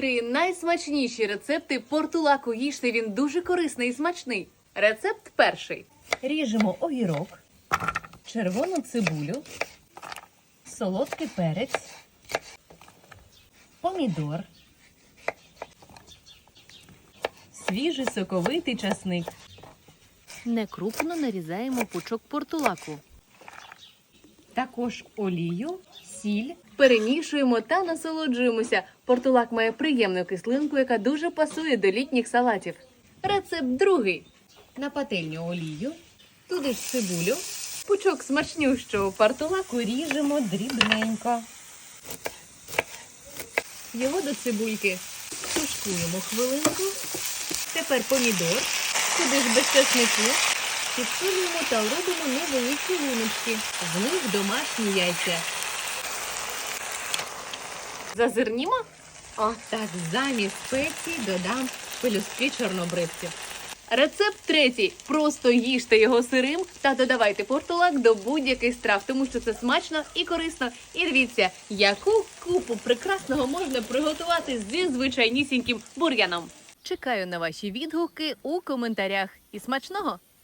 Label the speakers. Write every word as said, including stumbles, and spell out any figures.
Speaker 1: Три найсмачніші рецепти портулаку. Їжте, він дуже корисний і смачний. Рецепт перший.
Speaker 2: Ріжемо огірок, червону цибулю, солодкий перець, помідор, свіжий соковитий часник.
Speaker 1: Некрупно нарізаємо пучок портулаку.
Speaker 2: Також олію, сіль.
Speaker 1: Перемішуємо та насолоджуємося. Портулак має приємну кислинку, яка дуже пасує до літніх салатів. Рецепт другий.
Speaker 2: На пательню олію, туди ж цибулю,
Speaker 1: Пучок смачнющого портулаку.
Speaker 2: ріжемо дрібненько.
Speaker 1: Його до цибульки.
Speaker 2: Тушкуємо хвилинку.
Speaker 1: Тепер помідор. Сюди ж без часнику. Підсолюємо та робимо невеликі луночки.
Speaker 2: З них домашні яйця.
Speaker 1: Зазирнімо.
Speaker 2: О, так, замість спецій додам пелюстки чорнобривців.
Speaker 1: Рецепт третій. Просто їжте його сирим та додавайте портулак до будь-яких страв, тому що це смачно і корисно. І дивіться, яку купу прекрасного можна приготувати зі звичайнісіньким бур'яном. Чекаю на ваші відгуки у коментарях. І смачного!